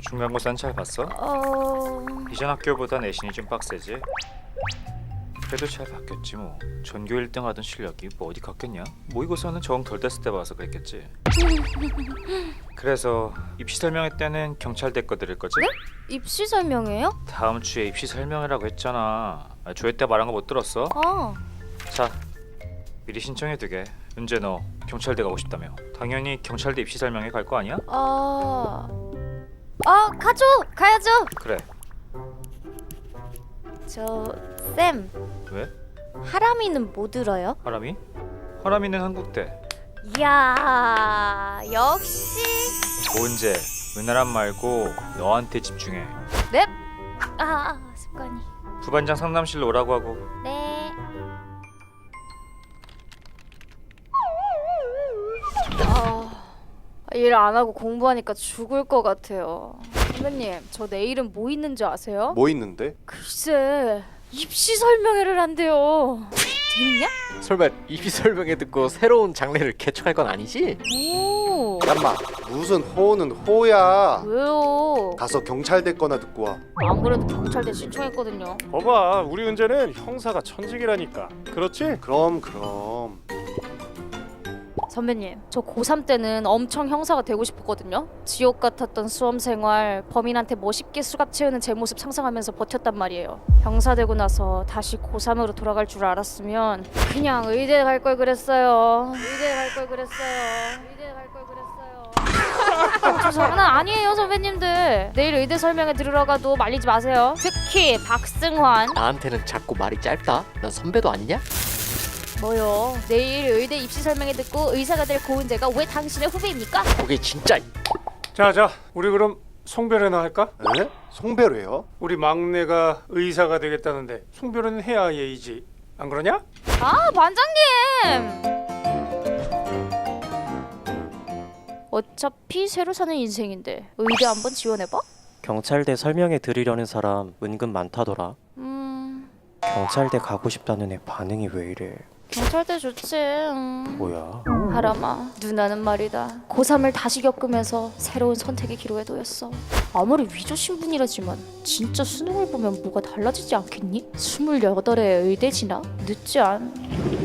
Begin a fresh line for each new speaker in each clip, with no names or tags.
중간고사는 잘 봤어? 이전 학교보다 내신이 좀 빡세지? 그래도 잘 봤겠지 뭐. 전교 1등 하던 실력이 뭐 어디 갔겠냐? 모의고사는 정 덜 됐을 때 봐서 그랬겠지. 그래서 입시 설명회 때는 경찰대 거 들을 거지?
네? 입시 설명회요?
다음 주에 입시 설명회라고 했잖아. 조회 때 말한 거 못 들었어? 자, 미리 신청해 두게. 은재 너 경찰대 가고 싶다며. 당연히 경찰대 입시 설명회 갈 거 아니야?
가죠! 가야죠!
그래.
쌤,
왜?
하람이는 뭐 들어요?
하람이? 하람이는 한국대.
이야, 역시.
고은재, 은하람 말고 너한테 집중해.
넵! 습관이.
부반장 상담실로 오라고 하고.
네. 일 안 하고 공부하니까 죽을 것 같아요. 선배님, 저 내일은 뭐 있는지 아세요?
뭐 있는데?
글쎄, 입시 설명회를 한대요. 재밌냐?
설마 입시 설명회 듣고 새로운 장르를 개척할 건 아니지?
오,
잠깐만, 무슨 호는 호야.
왜요?
가서 경찰대 거나 듣고 와.
안 그래도 경찰대 신청했거든요.
봐봐, 우리 은재는 형사가 천직이라니까. 그렇지?
그럼
선배님, 저 고3 때는 엄청 형사가 되고 싶었거든요. 지옥 같았던 수험생활, 범인한테 멋있게 수갑 채우는 제 모습 상상하면서 버텼단 말이에요. 형사 되고 나서 다시 고3으로 돌아갈 줄 알았으면 그냥 의대 갈 걸 그랬어요. 저 장난 아니에요, 선배님들. 내일 의대 설명회 들으러 가도 말리지 마세요. 특히 박승환.
나한테는 자꾸 말이 짧다? 난 선배도 아니냐?
뭐요? 내일 의대 입시 설명회 듣고 의사가 될 고은재가 왜 당신의 후배입니까?
그게 진짜.
자, 우리 그럼 송별회나 할까?
에? 송별회요?
우리 막내가 의사가 되겠다는데 송별회는 해야 예의지. 안 그러냐?
반장님! 어차피 새로 사는 인생인데 의대 한번 지원해봐?
경찰대 설명회 들으려는 사람 은근 많다더라. 경찰대 가고 싶다는 애 반응이 왜 이래?
경찰대 좋지.
뭐야?
하람아, 누나는 말이다. 고3을 다시 겪으면서 새로운 선택의 기로에 놓였어. 아무리 위조 신분이라지만 진짜 수능을 보면 뭐가 달라지지 않겠니? 28에 의대 진학? 늦지 않.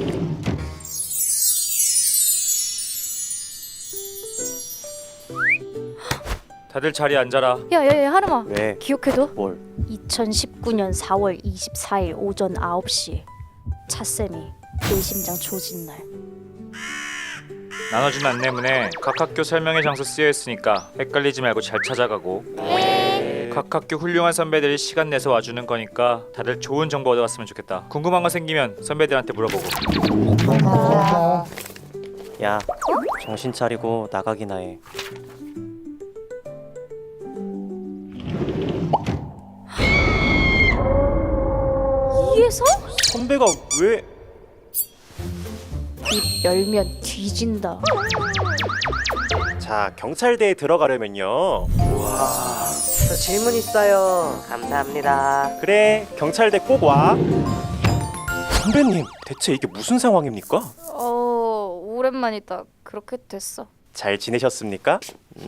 다들 자리에 앉아라.
야야야, 하람아.
왜?
기억해둬.
뭘?
2019년 4월 24일 오전 9시 차쌤이 뇌심장 조진 날.
나눠준 안내문에 각 학교 설명회 장소 쓰여 있으니까 헷갈리지 말고 잘 찾아가고. 각 학교 훌륭한 선배들이 시간 내서 와주는 거니까 다들 좋은 정보 얻어갔으면 좋겠다. 궁금한 거 생기면 선배들한테 물어보고.
야, 정신 차리고 나가기나 해.
이에서?
선배가 왜?
입 열면 뒤진다.
자, 경찰대에 들어가려면요.
저 질문 있어요. 감사합니다.
그래, 경찰대 꼭 와. 선배님, 대체 이게 무슨 상황입니까?
오랜만이다. 그렇게 됐어.
잘 지내셨습니까?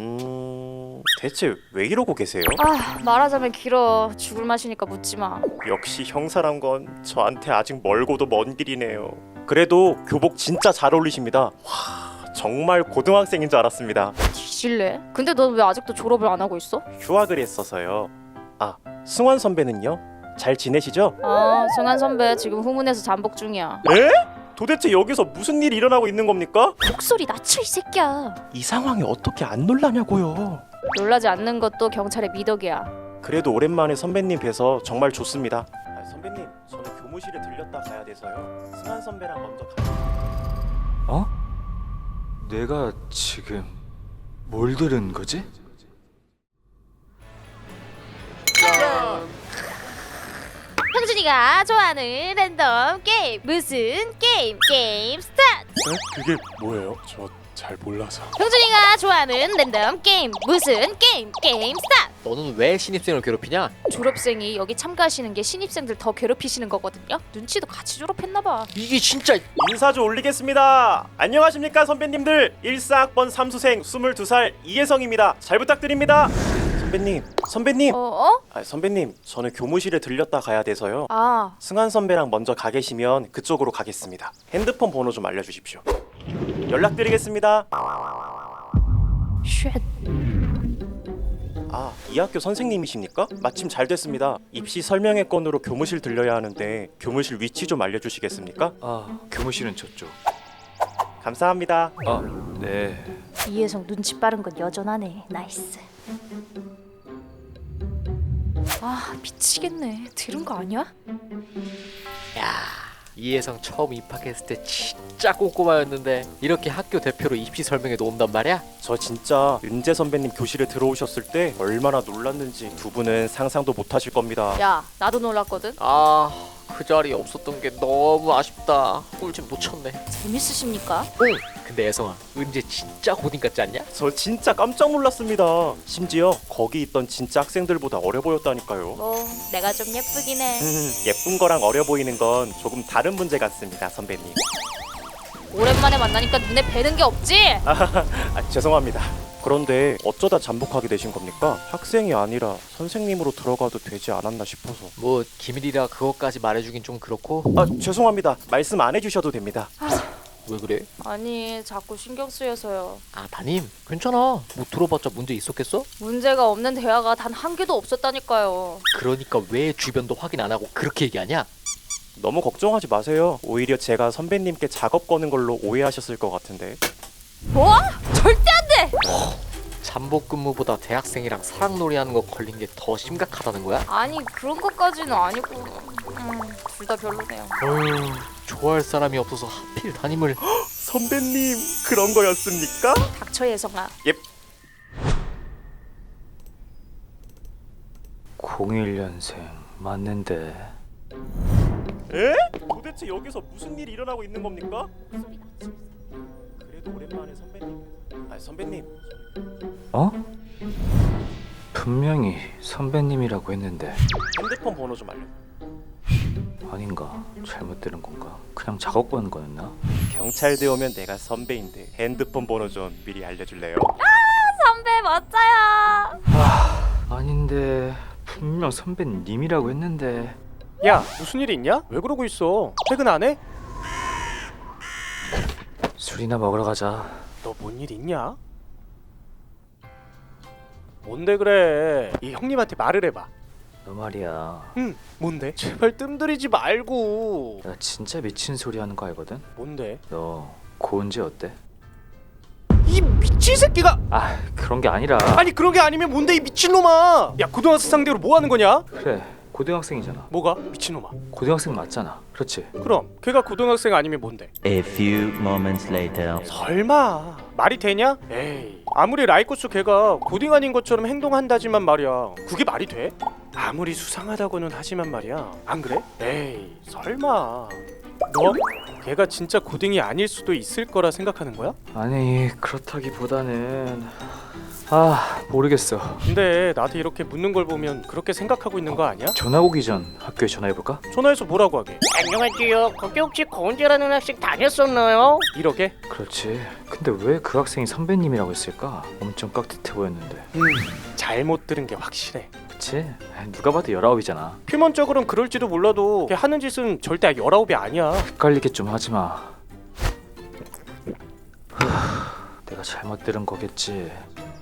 대체 왜 이러고 계세요?
말하자면 길어. 죽을 맛이니까 묻지 마.
역시 형사란 건 저한테 아직 멀고도 먼 길이네요. 그래도 교복 진짜 잘 어울리십니다. 와, 정말 고등학생인 줄 알았습니다.
뒤질래? 근데 넌 왜 아직도 졸업을 안 하고 있어?
휴학을 했어서요. 승환 선배는요? 잘 지내시죠?
승환 선배 지금 후문에서 잠복 중이야.
에? 도대체 여기서 무슨 일이 일어나고 있는 겁니까?
목소리 낮춰 이 새끼야.
이 상황에 어떻게 안 놀라냐고요.
놀라지 않는 것도 경찰의 미덕이야.
그래도 오랜만에 선배님 뵈서 정말 좋습니다. 선배님, 저는 교무실에 들렸다 가야 돼서요. 승환 선배랑 먼저
어? 내가 지금 뭘 들은 거지?
형준이가 좋아하는 랜덤 게임. 무슨 게임? 게임 스타트.
그게 뭐예요? 저 잘 몰라서.
형준이가 좋아하는 랜덤 게임. 무슨 게임? 게임 스타트.
너는 왜 신입생을 괴롭히냐?
졸업생이 여기 참가하시는 게 신입생들 더 괴롭히시는 거거든요. 눈치도 같이 졸업했나봐.
이게 진짜.
인사 좀 올리겠습니다. 안녕하십니까 선배님들. 14학번 삼수생 22살 이혜성입니다. 잘 부탁드립니다. 선배님.
어?
아, 선배님, 저는 교무실에 들렸다 가야 돼서요.
아,
승환 선배랑 먼저 가 계시면 그쪽으로 가겠습니다. 핸드폰 번호 좀 알려주십시오. 연락드리겠습니다.
쉣.
아, 이 학교 선생님이십니까? 마침 잘 됐습니다. 입시 설명회 건으로 교무실 들려야 하는데 교무실 위치 좀 알려주시겠습니까?
아, 교무실은 저쪽.
감사합니다.
아, 네.
이혜성 눈치 빠른 건 여전하네. 나이스. 아, 미치겠네. 들은 거 아니야?
이혜성 처음 입학했을 때 진짜 꼼꼼하였는데 이렇게 학교 대표로 입시 설명회도 온단 말이야?
저 진짜 은재 선배님 교실에 들어오셨을 때 얼마나 놀랐는지 두 분은 상상도 못하실 겁니다.
야, 나도 놀랐거든.
아, 그 자리에 없었던 게 너무 아쉽다. 꿀집 놓쳤네.
재밌으십니까?
응. 근데 예성아, 은재 진짜 고딩 같지 않냐?
저 진짜 깜짝 놀랐습니다. 심지어 거기 있던 진짜 학생들보다 어려 보였다니까요.
뭐 내가 좀 예쁘긴 해.
예쁜 거랑 어려 보이는 건 조금 다른 문제 같습니다, 선배님.
오랜만에 만나니까 눈에 뵈는 게 없지?
아, 죄송합니다. 그런데 어쩌다 잠복하게 되신 겁니까? 학생이 아니라 선생님으로 들어가도 되지 않았나 싶어서.
뭐 기밀이라 그것까지 말해주긴 좀 그렇고.
아, 죄송합니다. 말씀 안 해주셔도 됩니다.
왜 그래?
아니, 자꾸 신경 쓰여서요.
아, 담임 괜찮아. 뭐 들어봤자 문제 있었겠어?
문제가 없는 대화가 단 한 개도 없었다니까요.
그러니까 왜 주변도 확인 안 하고 그렇게 얘기하냐?
너무 걱정하지 마세요. 오히려 제가 선배님께 작업 거는 걸로 오해하셨을 것 같은데.
뭐? 절대 안 돼!
잠복 근무보다 대학생이랑 사랑놀이 하는 거 걸린 게 더 심각하다는 거야?
아니, 그런 것까지는 아니고 둘 다 별로네요.
어휴, 좋아할 사람이 없어서 하필 담임을.
선배님, 그런 거였습니까?
닥쳐, 예성아.
01년생 맞는데.
에? 도대체 여기서 무슨 일이 일어나고 있는 겁니까? 그래도 오랜만에 선배님. 아, 선배님.
어? 분명히 선배님이라고 했는데
핸드폰 번호 좀 알려.
아닌가? 잘못 들은 건가? 그냥 작업 거는 거였나?
경찰대 오면 내가 선배인데 핸드폰 번호 좀 미리 알려줄래요?
선배 멋져요.
아닌데 분명 선배님이라고 했는데.
야, 무슨 일 있냐? 왜 그러고 있어? 퇴근 안 해?
술이나 먹으러 가자.
너 뭔 일 있냐? 뭔데 그래? 이 형님한테 말을 해봐.
너 말이야.
응, 뭔데? 제발 뜸들이지 말고.
나 진짜 미친 소리 하는 거 알거든?
뭔데?
너 고은지 어때?
이 미친 새끼가!
아, 그런 게 아니라.
아니 그런 게 아니면 뭔데 이 미친놈아! 야, 고등학생 상대로 뭐 하는 거냐?
그래, 고등학생이잖아.
뭐가? 미친놈아.
고등학생 맞잖아. 그렇지?
그럼 걔가 고등학생 아니면 뭔데?
A few moments later.
설마 말이 되냐? 에이, 아무리 라이코스 걔가 고딩 아닌 것처럼 행동한다지만 말이야, 그게 말이 돼? 아무리 수상하다고는 하지만 말이야, 안 그래? 에이, 설마 너? 걔가 진짜 고딩이 아닐 수도 있을 거라 생각하는 거야?
아니, 그렇다기보다는 모르겠어.
근데 나도 이렇게 묻는 걸 보면 그렇게 생각하고 있는 거 아니야?
전화 오기 전 학교에 전화해볼까?
전화해서 뭐라고 하게?
안녕하세요. 거기 혹시 고은재라는 학생 다녔었나요?
이러게?
그렇지. 근데 왜 그 학생이 선배님이라고 했을까? 엄청 깍듯해 보였는데.
잘못 들은 게 확실해.
그치? 누가 봐도 19이잖아.
표면적으로는 그럴지도 몰라도 걔 하는 짓은 절대 19이 아니야.
헷갈리게 좀 하지마. 내가 잘못 들은 거겠지.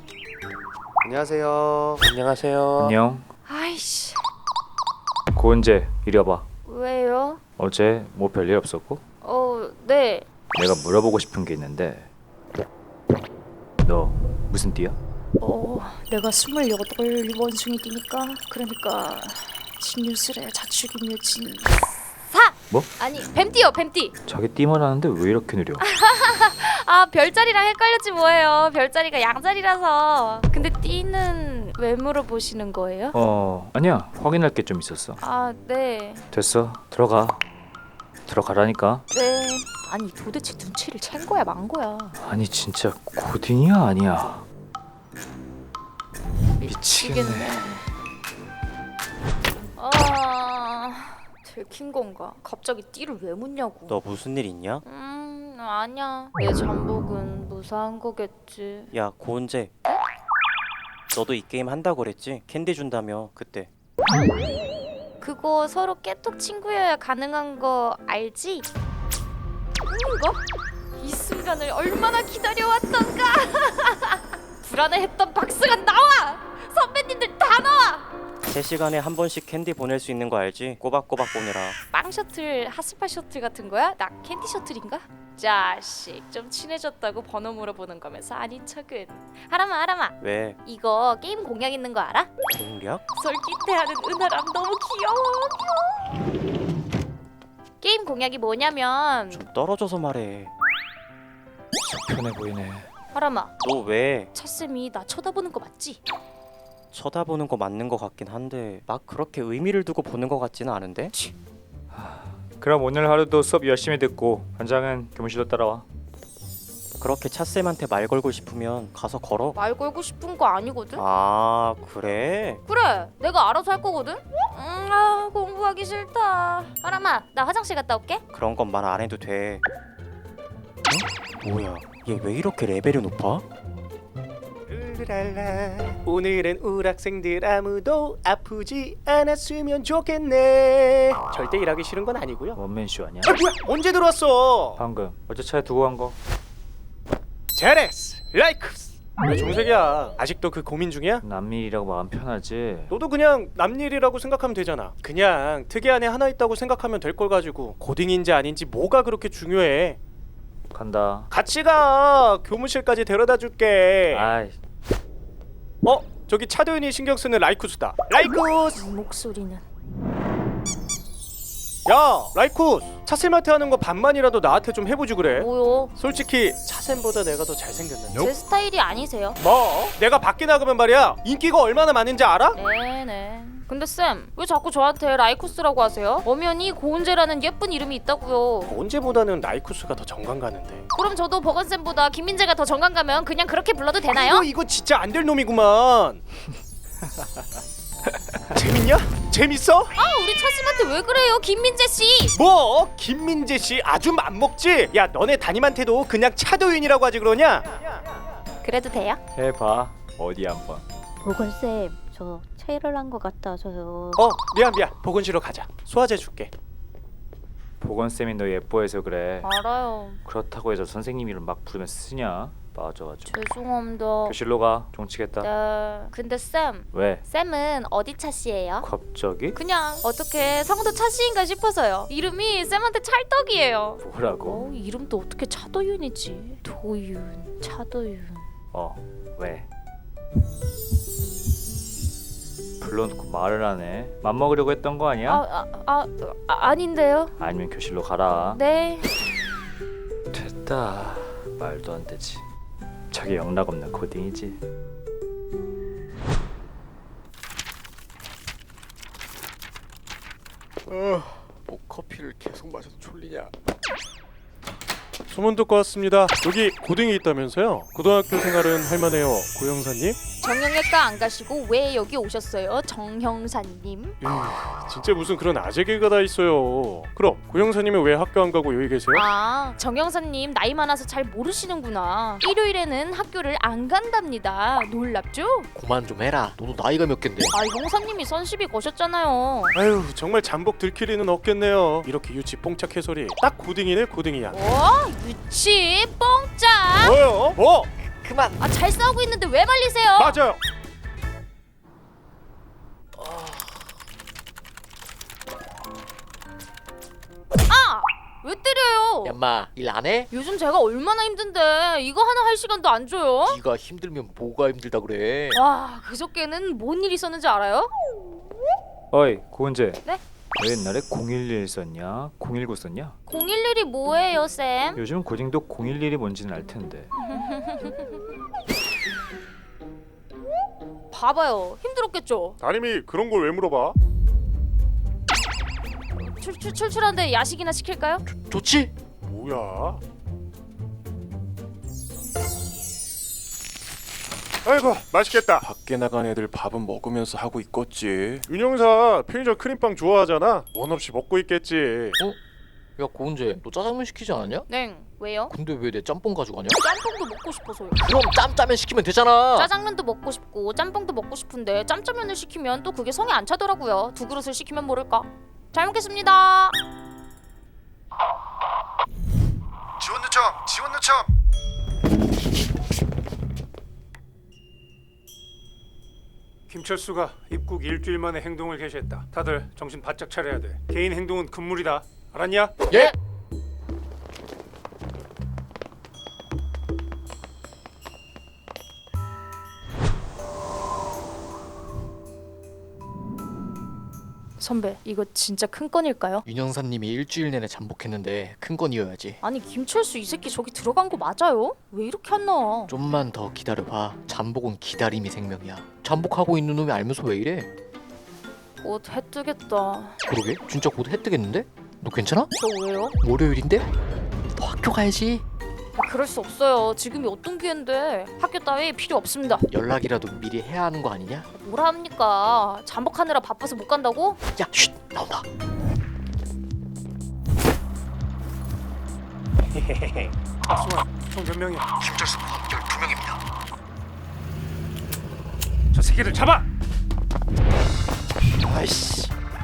안녕하세요.
안녕하세요.
안녕.
아이씨,
고은재, 이리 와봐.
왜요?
어제 뭐 별일 없었고?
네.
내가 물어보고 싶은 게 있는데 너 무슨 띠야?
내가 28 원숭이 띠니까, 그러니까 진유술에 자축인 유진 4!
뭐?
아니, 뱀띠요, 뱀띠.
자기 띠만 하는데 왜 이렇게 느려?
아, 별자리랑 헷갈렸지 뭐예요. 별자리가 양자리라서. 근데 띠는 왜 물어보시는 거예요?
아니야. 확인할 게 좀 있었어.
아, 네.
됐어. 들어가라니까.
네. 아니, 도대체 눈치를 챈 거야, 만 거야?
아니 진짜 고딩이야 아니야? 미치겠네.
들킨 건가? 갑자기 띠를 왜 묻냐고.
너 무슨 일 있냐?
아니야. 내 잠복은 무사한 거겠지.
야, 고은재.
너도 이 게임 한다고 그랬지? 캔디 준다며 그때.
그거 서로 깨톡 친구여야 가능한 거 알지? 이거? 이 순간을 얼마나 기다려왔던가. 불안해했던 박스가 나와! 선배님들 다 나와!
3시간에 한 번씩 캔디 보낼 수 있는 거 알지? 꼬박꼬박 보내라.
빵 셔틀, 핫스파 셔틀 같은 거야? 나 캔디 셔틀인가? 자식, 좀 친해졌다고 번호 물어보는 거면서 아닌 척은. 하람아
왜?
이거 게임 공약 있는 거 알아?
공략?
솔깃해하는 은하람 너무 귀여워. 게임 공약이 뭐냐면
좀 떨어져서 말해.
편해 보이네.
하람아,
너 왜?
차쌤이 나 쳐다보는 거 맞지?
쳐다보는 거 맞는 거 같긴 한데 막 그렇게 의미를 두고 보는 거 같지는 않은데?
그럼 오늘 하루도 수업 열심히 듣고 반장은 교무실로 따라와.
그렇게 차쌤한테 말 걸고 싶으면 가서 걸어.
말 걸고 싶은 거 아니거든?
아 그래?
그래, 내가 알아서 할 거거든? 공부하기 싫다. 하람아, 나 화장실 갔다 올게.
그런 건 말 안 해도 돼. 어? 뭐야? 얘 왜 이렇게 레벨이 높아?
랄라 오늘은 우리 학생들 아무도 아프지 않았으면 좋겠네. 절대 일하기 싫은 건 아니고요.
원맨쇼 아니야?
아 뭐야? 언제 들어왔어?
방금 어제 차에 두고 간 거.
제레스 라이크스. 왜 종색이야? 아직도 그 고민 중이야?
남일이라고 마음 편하지.
너도 그냥 남일이라고 생각하면 되잖아. 그냥 특이 안에 하나 있다고 생각하면 될 걸 가지고 고딩인지 아닌지 뭐가 그렇게 중요해?
간다.
같이 가. 교무실까지 데려다 줄게.
아이,
저기 차도윤이 신경 쓰는 라이쿠스다. 라이쿠스.
목소리는
야 라이쿠스, 차쌤한테 하는 거 반만이라도 나한테 좀 해보지 그래.
뭐요?
솔직히 차쌤보다 내가 더 잘생겼는데.
제 스타일이 아니세요?
뭐? 내가 밖에 나가면 말이야 인기가 얼마나 많은지 알아?
네네. 근데 쌤, 왜 자꾸 저한테 라이쿠스라고 하세요? 엄연히 고은재라는 예쁜 이름이 있다고요.
언제보다는 라이쿠스가 더 정감 가는데.
그럼 저도 버건쌤보다 김민재가 더 정감 가면 그냥 그렇게 불러도 되나요?
이거 진짜 안 될 놈이구만. 재밌냐? 재밌어?
우리 차쌤한테 왜 그래요, 김민재씨?
뭐? 김민재 씨 아주 맘먹지? 야 너네 담임한테도 그냥 차도윤이라고 하지 그러냐?
그래도 돼요?
해봐. 어디 한번.
보건쌤, 저 체를 한 것 같아서요.
미안 보건실로 가자. 소화제 줄게.
보건쌤이 너 예뻐해서 그래.
알아요.
그렇다고 해서 선생님 이름 막 부르면 쓰냐? 맞아.
죄송합니다.
교실로 가. 종치겠다.
네. 근데 쌤,
왜?
쌤은 어디 차씨예요?
갑자기?
그냥 어떻게 성도 차씨인가 싶어서요. 이름이 쌤한테 찰떡이에요.
뭐라고?
이름도 어떻게 차도윤이지? 도윤, 차도윤.
왜? 불러놓고 말을 하네. 맘먹으려고 했던 거 아니야?
아닌데요.
아니면 교실로 가라.
네.
됐다. 말도 안 되지. 저게 영락 없는 코딩이지.
뭐 커피를 계속 마셔서 졸리냐? 소문 듣고 왔습니다. 여기 고딩이 있다면서요? 고등학교 생활은 할만해요, 고영사님?
정형외과 안 가시고 왜 여기 오셨어요, 정형사님?
진짜 무슨 그런 아재 개가 다 있어요. 그럼 고영사님은 왜 학교 안 가고 여기 계세요?
정형사님 나이 많아서 잘 모르시는구나. 일요일에는 학교를 안 간답니다. 놀랍죠?
그만 좀 해라. 너도 나이가 몇 갠데?
형사님이 선시비 거셨잖아요.
아유 정말 잠복 들키리는 없겠네요. 이렇게 유치 뽕짝 해소리 딱 고딩이네 고딩이야.
유치 뽕짝.
뭐요? 뭐?
그만.
잘 싸우고 있는데 왜 말리세요?
맞아요.
왜 때려요?
야마 일 안 해?
요즘 제가 얼마나 힘든데 이거 하나 할 시간도 안 줘요?
네가 힘들면 뭐가 힘들다 그래?
와, 그저께는 뭔 일 있었는지 알아요?
어이 고은재.
네?
너 옛날에 011 썼냐? 019 썼냐?
011이 뭐예요, 쌤?
요즘 고딩도 011이 뭔지는 알 텐데.
봐봐요, 힘들었겠죠?
담임이 그런 걸 왜 물어봐?
출출한데 야식이나 시킬까요?
좋지?
뭐야? 아이고 맛있겠다. 밖에 나간 애들 밥은 먹으면서 하고 있겠지. 윤영사 편의점 크림빵 좋아하잖아. 원 없이 먹고 있겠지.
야 고은재, 너 짜장면 시키지 않았냐?
네. 왜요?
근데 왜 내 짬뽕 가져가냐?
짬뽕도 먹고 싶어서요.
그럼 짬짜면 시키면 되잖아.
짜장면도 먹고 싶고 짬뽕도 먹고 싶은데 짬짜면을 시키면 또 그게 성에 안 차더라고요. 두 그릇을 시키면 모를까. 잘 먹겠습니다.
지원 요청! 지원 요청!
김철수가 입국 일주일 만에 행동을 개시했다. 다들 정신 바짝 차려야 돼. 개인 행동은 금물이다. 알았냐?
예.
선배, 이거 진짜 큰 건일까요?
윤영사님이 일주일 내내 잠복했는데 큰 건이어야지.
아니 김철수 이 새끼 저기 들어간 거 맞아요? 왜 이렇게 안 나와?
좀만 더 기다려봐. 잠복은 기다림이 생명이야. 잠복하고 있는 놈이 알면서 왜 이래?
곧 해 뜨겠다.
그러게? 진짜 곧 해 뜨겠는데? 너 괜찮아?
저 왜요?
월요일인데? 너 학교 가야지.
그럴 수 없어요. 지금이 어떤 기회인데. 학교 따위 필요 없습니다.
연락이라도 미리 해야 하는 거 아니냐?
뭐라 합니까? 잠복하느라 바빠서 못 간다고?
야, 쉿! 나온다.
박수환, 총 몇 명이야?
김철수 12명입니다.
저 새끼들 잡아!
아이씨.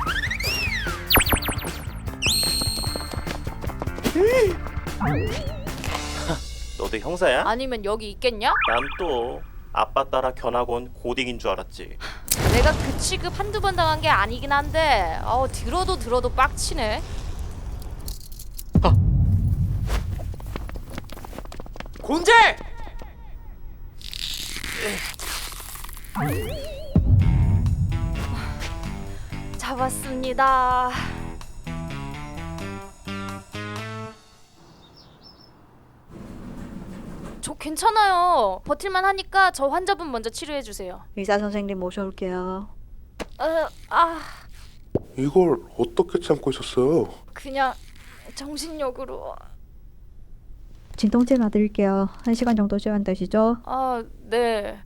너도 형사야?
아니면 여기 있겠냐?
난 또 아빠 따라 견학원 고딩인 줄 알았지.
내가 그 취급 한두 번 당한 게 아니긴 한데 들어도 빡치네.
곤제!
잡았습니다. 저 괜찮아요. 버틸만 하니까 저 환자분 먼저 치료해 주세요.
의사 선생님 모셔올게요.
이걸 어떻게 참고 있었어요?
그냥 정신력으로.
진통제 놔드릴게요. 1시간 정도 시간되시죠?
네.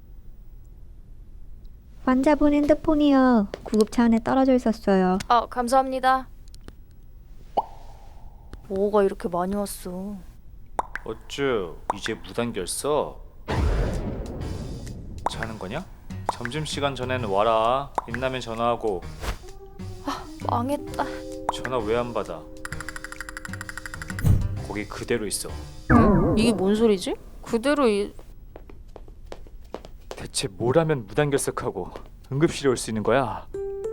환자분 핸드폰이요. 구급차 안에 떨어져 있었어요.
감사합니다. 뭐가 이렇게 많이 왔어?
어쭈 이제 무단결석? 자는 거냐? 점심시간 전에는 와라. 빛나면 전화하고.
망했다.
전화 왜 안 받아? 거기 그대로 있어.
이게 뭔 소리지? 그대로
대체 뭘 하면 무단결석하고 응급실에 올 수 있는 거야?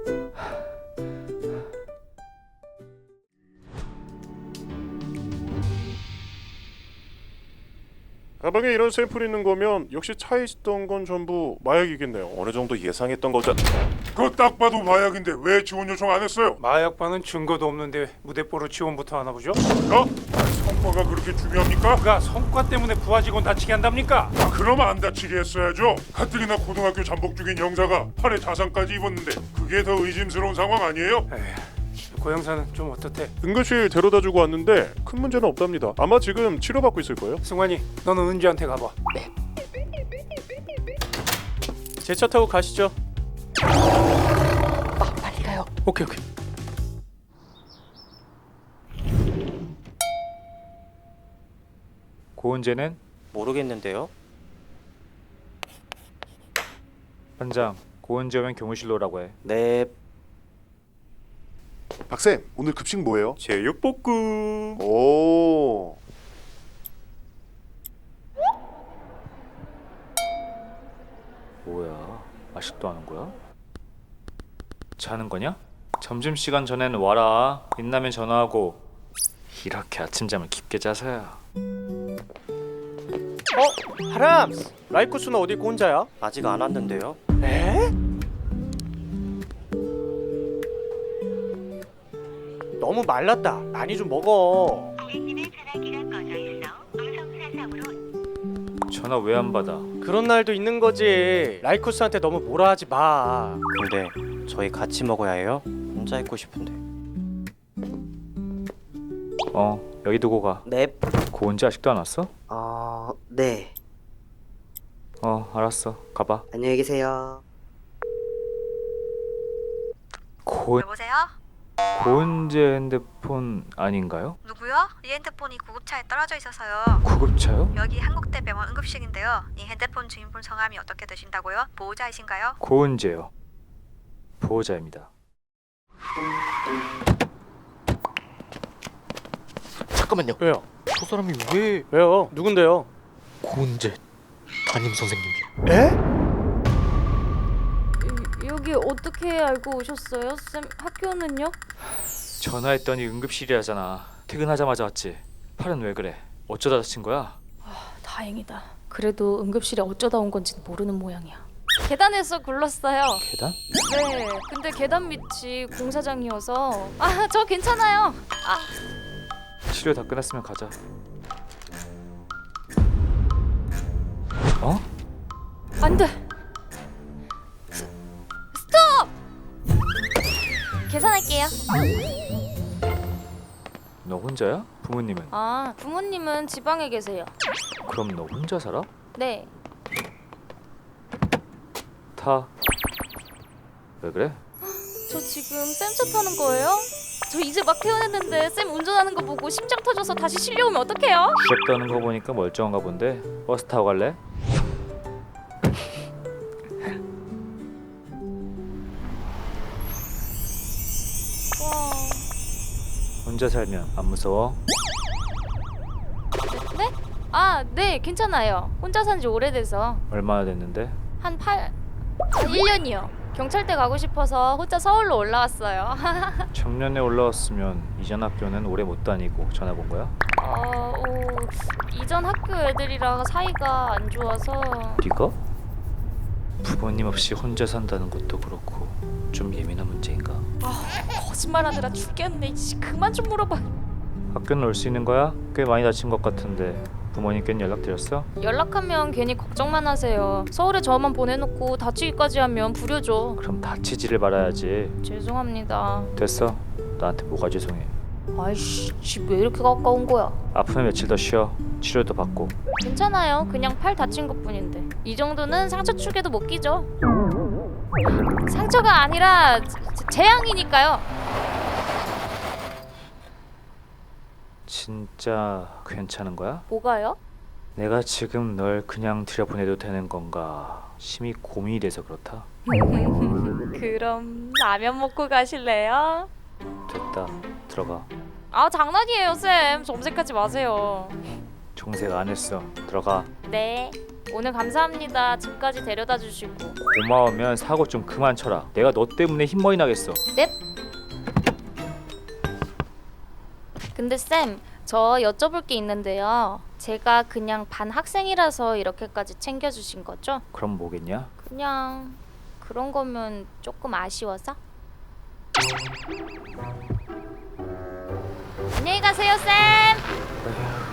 가방에 이런 샘플이 있는 거면 역시 차에 있었던 건 전부 마약이겠네요.
어느 정도 예상했던 거죠.
그거 딱 봐도 마약인데 왜 지원 요청 안 했어요?
마약반은 증거도 없는데 무대뽀로 지원부터 하나 보죠?
성과가 그렇게 중요합니까?
그가 성과 때문에 부하 직원 다치게 한답니까?
그럼 안 다치게 했어야죠. 가뜩이나 고등학교 잠복 중인 영사가 팔에 자상까지 입었는데 그게 더 의심스러운 상황 아니에요?
고영사는 좀 어떻대?
응급실 데려다주고 왔는데 큰 문제는 없답니다. 아마 지금 치료받고 있을 거예요.
승환이, 너는 은지한테 가봐. 네. 제 차 타고 가시죠.
빨리 가요.
오케이.
고은재는?
모르겠는데요.
반장, 고은재 오면 교무실로 오라고 해.
네.
박쌤, 오늘 급식 뭐예요?
제육볶음.
오.
뭐야? 아직도 하는 거야? 자는 거냐? 점심시간 전에는 와라. 빛나면 전화하고. 이렇게 아침잠을 깊게 자서야.
하람스! 라이쿠스는 어디 있고 혼자야?
아직 안 왔는데요.
에? 너무 말랐다. 많이 좀 먹어.
전화 왜 안 받아?
그런 날도 있는 거지. 라이쿠스한테 너무 뭐라 하지 마.
근데 저희 같이 먹어야 해요? 혼자 있고 싶은데.
여기 두고 가.
네.
고은재 아직도 안 왔어?
네.
알았어. 가봐.
안녕히 계세요.
고은...
여보세요?
고은재 핸드폰 아닌가요?
누구요? 이 핸드폰이 구급차에 떨어져 있어서요.
구급차요?
여기 한국대병원 응급실인데요. 이 핸드폰 주인분 성함이 어떻게 되신다고요? 보호자이신가요?
고은재요. 보호자입니다.
잠깐만요.
왜요?
저 사람이 왜
왜요? 누군데요?
고은재 담임 선생님이요?
에?
여기 어떻게 알고 오셨어요? 쌤 학교는요?
전화했더니 응급실이라잖아. 퇴근하자마자 왔지. 팔은 왜 그래? 어쩌다 다친 거야?
다행이다. 그래도 응급실에 어쩌다 온 건지는 모르는 모양이야. 계단에서 굴렀어요.
계단?
네. 근데 계단 밑이 공사장이어서 저 괜찮아요.
치료 다 끝났으면 가자. 어?
안 돼. 스톱! 계산할게요.
너 혼자야? 부모님은?
부모님은 지방에 계세요.
그럼 너 혼자 살아?
네.
타. 왜 그래?
저 지금 쌤 차 타는 거예요? 저 이제 막 태어났는데 쌤 운전하는 거 보고 심장 터져서 다시 실려오면 어떡해요?
주접 떠는 거 보니까 멀쩡한가 본데. 버스 타고 갈래? 혼자 살면 안 무서워?
네? 네, 괜찮아요. 혼자 산 지 오래돼서
얼마나 됐는데?
한 1년이요. 경찰대 가고 싶어서 혼자 서울로 올라왔어요.
청년에 올라왔으면 이전 학교는 오래 못 다니고 전학 온 거야?
이전 학교 애들이랑 사이가 안 좋아서.
네가? 부모님 없이 혼자 산다는 것도 그렇고 좀 예민한 문제인가?
거짓말하느라 죽겠네. 그만 좀 물어봐.
학교는 올 수 있는 거야? 꽤 많이 다친 것 같은데 부모님께는 연락드렸어?
연락하면 괜히 걱정만 하세요. 서울에 저만 보내놓고 다치기까지 하면 불효죠.
그럼 다치지를 말아야지.
죄송합니다.
됐어. 나한테 뭐가 죄송해.
아이씨, 집 왜 이렇게 가까운 거야?
아프면 며칠 더 쉬어. 치료도 받고.
괜찮아요. 그냥 팔 다친 것뿐인데. 이 정도는 상처 축에도 못 끼죠. 상처가 아니라 재앙이니까요.
진짜 괜찮은 거야?
뭐가요?
내가 지금 널 그냥 들여보내도 되는 건가 심히 고민이 돼서 그렇다.
그럼 라면 먹고 가실래요?
됐다. 들어가.
장난이에요, 쌤. 점색하지 마세요.
정색 안 했어. 들어가.
네. 오늘 감사합니다. 집까지 데려다 주시고.
고마우면 사고 좀 그만 쳐라. 내가 너 때문에 흰머리 나겠어.
넵. 근데 쌤, 저 여쭤볼 게 있는데요. 제가 그냥 반 학생이라서 이렇게까지 챙겨주신 거죠?
그럼 뭐겠냐?
그냥 그런 거면 조금 아쉬워서? 안녕히 가세요, 쌤.